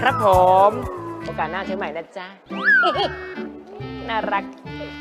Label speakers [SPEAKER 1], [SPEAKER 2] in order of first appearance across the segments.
[SPEAKER 1] ครับผมโอกาสหน้าเจอใหม่นะจ๊ะ น่ารัก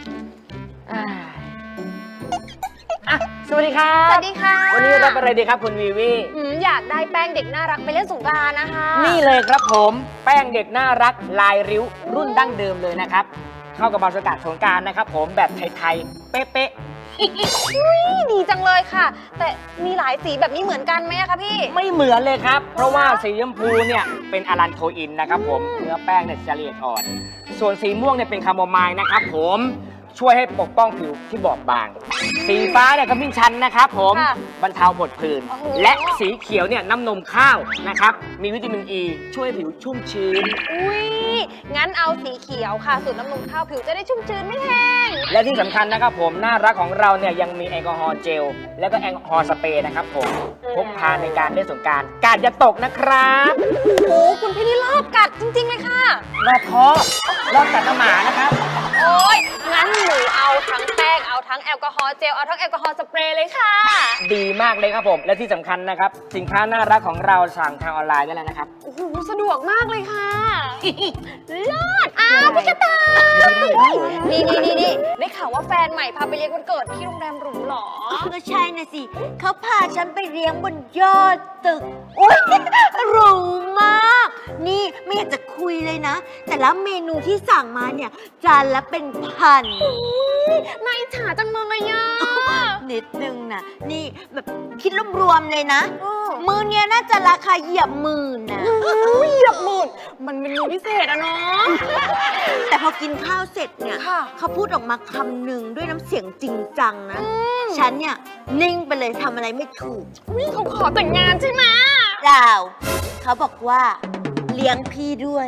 [SPEAKER 1] สวัสดีครับ
[SPEAKER 2] สวัสดีค่ะ
[SPEAKER 1] วันนี้รับอะไรดีครับคุณวีวี
[SPEAKER 2] อยากได้แป้งเด็กน่ารักไปเล่นสงกรานต์นะคะ
[SPEAKER 1] นี่เลยครับผมแป้งเด็กน่ารักลายริ้วรุ่นดั้งเดิมเลยนะครับเข้ากับบรรยากาศสงกรานต์นะครับผมแบบไทยๆเป๊ะ
[SPEAKER 2] ดีจังเลยค่ะ แต่มีหลายสีแบบนี้เหมือนกันไหมคะพี่
[SPEAKER 1] ๆไม่เหมือนเลยครับเพราะว่าสีชมพูเนี่ยเป็นอะลันโทอินนะครับผมเนื้อแป้งเนี่ยจะละเอียดอ่อนส่วนสีม่วงเนี่ยเป็นคาโมไมล์นะครับผมช่วยให้ปกป้องผิวที่บอบบาง สีฟ้าเนี่ยขมิ้นชันนะครับผม
[SPEAKER 2] ค่ะ
[SPEAKER 1] บรรเทาผดผื่น
[SPEAKER 2] โอ้โห
[SPEAKER 1] และสีเขียวเนี่ยน้ำนมข้าวนะครับมีวิตามินอ e, ช่วยผิวชุ่มชื้น
[SPEAKER 2] อุ้ยงั้นเอาสีเขียวค่ะสูตรน้ำนมข้าวผิวจะได้ชุ่มชื้นไม่แห้ง
[SPEAKER 1] และที่สำคัญนะครับผมน่ารักของเราเนี่ยยังมีแอลกอฮอล์เจล และก็แอลกอฮอล์สเปรย์นะครับผมพกพาในการเล่นสงกรานต์กาดอย่าตกนะครับ
[SPEAKER 2] โอ้คุณพี่นี่รอบกัดจริงๆเลยค่ะ
[SPEAKER 1] รอบท้อรอบกัดน้ำหมานะครับ
[SPEAKER 2] โอ้ยงั้นหนูเอาทั้งแป้งเอาทั้งแอลกอฮอล์เจลเอาทั้งแอลกอฮอล์สเปรย์เลยค่ะ
[SPEAKER 1] ดีมากเลยครับผมและที่สำคัญนะครับสินค้าน่ารักของเราสั่งทางออนไลน์ได้แล้วนะครับ
[SPEAKER 2] โอ้โหสะดวกมากเลยค่ะ เลิศอ้าวพี่กระต่ายนี่ได้ข่าวว่าแฟนใหม่พาไปเลี้ยงวันเกิดที่โรงแรมหรูเหรอ
[SPEAKER 3] ก็ใช่นะสิเขาพาฉันไปเลี้ยงบนยอดตึกอุ้ยหรูมาก นี่ไม่อยากจะคุยเลยนะ แต่ละเมนูที่สั่งมาเนี่ยจานละเป็นพัน
[SPEAKER 2] นายฉาจังเลยอ่ะ
[SPEAKER 3] นิดนึงนะนี่แบบคิดรวมๆเลยนะ มือเนี้ยน่าจะราคาเหยียบหมื่นนะ
[SPEAKER 2] เหยียบหมื่นมันเป็นมือพิเศษอะเนาะ
[SPEAKER 3] แต่พอกินข้าวเสร็จเนี่ย
[SPEAKER 2] ค่ะ
[SPEAKER 3] เขาพูดออกมาคำหนึ่งด้วยน้ำเสียงจริงจังนะ ฉันเนี่ยนิ่งไปเลยทำอะไรไม่ถูก
[SPEAKER 2] เขาขอแต่งงานใช่ไหม
[SPEAKER 3] เปล่าเขาบอกว่าเลี้ยงพี่ด้วย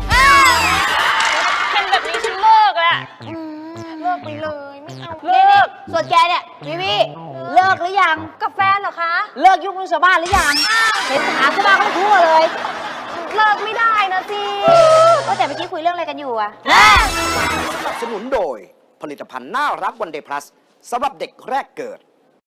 [SPEAKER 2] เป็นแบบนี้ฉันเลิกแหละเลิกไปเลยไม่เอา
[SPEAKER 3] เลิกส่วนแกเนี่ยวิเลิกหรือยัง
[SPEAKER 2] กับแฟนเหรอคะ
[SPEAKER 3] เลิกยุ่งเรื่องชาวบ้านหรือยัง เห็นถามชาวบ้านเขาทั่วเลย
[SPEAKER 2] เลิกไม่ได้นะสิ
[SPEAKER 3] ก็แต่เมื่อกี้คุยเรื่องอะไรกันอยู่อะ
[SPEAKER 4] สนับสนุนโดยผลิตภัณฑ์น่ารักวันเดย์พลัสสำหรับเด็กแรกเกิด